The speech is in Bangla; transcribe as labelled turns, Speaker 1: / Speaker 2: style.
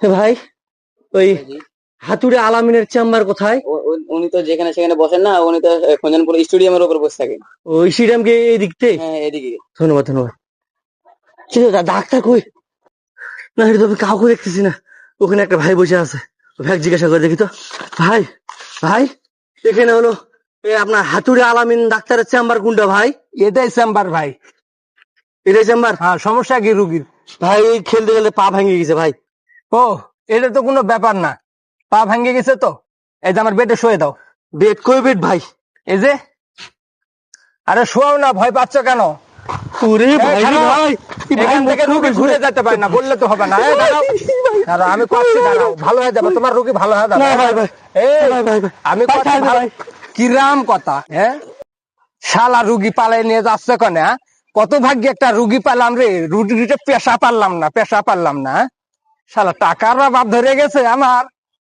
Speaker 1: ভাই ওই হাতুড়ে আলামিনের চেম্বার কোথায়?
Speaker 2: উনি তো যেখানে সেখানে বসেন না, উনি তো খঞ্জনপুর স্টেডিয়ামের উপর বসে থাকেন।
Speaker 1: ওই স্টেডিয়ামকে এই দিকতে?
Speaker 2: হ্যাঁ, এদিকে।
Speaker 1: ধন্যবাদ ধন্যবাদ। কিন্তু ডাক্তার কই? না, এটা তো আমি কাউকে দেখতেছি না। ওখানে একটা ভাই বসে আছে, ভাই জিজ্ঞাসা করে দেখি তো। ভাই ভাই, এখানে হলো আপনার হাতুড়ে আলামিন ডাক্তারের চেম্বার কোনটা ভাই?
Speaker 3: এটাই চেম্বার ভাই।
Speaker 1: এটাই চেম্বার?
Speaker 3: হ্যাঁ, সমস্যা কি রুগীর?
Speaker 1: ভাই ওই খেলতে খেলতে পা ভেঙে গেছে ভাই।
Speaker 3: ও, এটা তো কোনো ব্যাপার না, পা ভেঙে গেছে তো এই যে আমার বেডে শুয়ে দাও।
Speaker 1: বেড কই বেড ভাই?
Speaker 3: এই যে। আরে শোয়াও না, ভয় পাচ্ছ কেন?
Speaker 1: ওরে
Speaker 3: এই
Speaker 1: ভাই রে
Speaker 3: খারাপ।
Speaker 1: ভাই, এই ভাই
Speaker 3: এখান থেকে রুগী ঘুরে যেতে পারে না, বললে তো হবে না। এই দাঁড়াও, দাঁড়াও, আমি করছি, দাঁড়াও, ভালো হয়ে যাবে, তোমার রুগী ভালো হয়ে যাবে।
Speaker 1: না ভাই ভাই,
Speaker 3: এই
Speaker 1: ভাই ভাই ভাই,
Speaker 3: আমি
Speaker 1: ভাই
Speaker 3: করছি
Speaker 1: ছাড়বে
Speaker 3: ভালো।
Speaker 1: ভাই।
Speaker 3: কিরাম কথা, হ্যাঁ? শালা রুগী পালাই নিয়ে যাচ্ছে কেন? হ্যাঁ? কত ভাগ্যে একটা রুগী পেলাম রে, রুগীটা পেশা পারলাম না, পেশা পারলাম না। শালা টাকার অভাব ধরে গেছে আমার।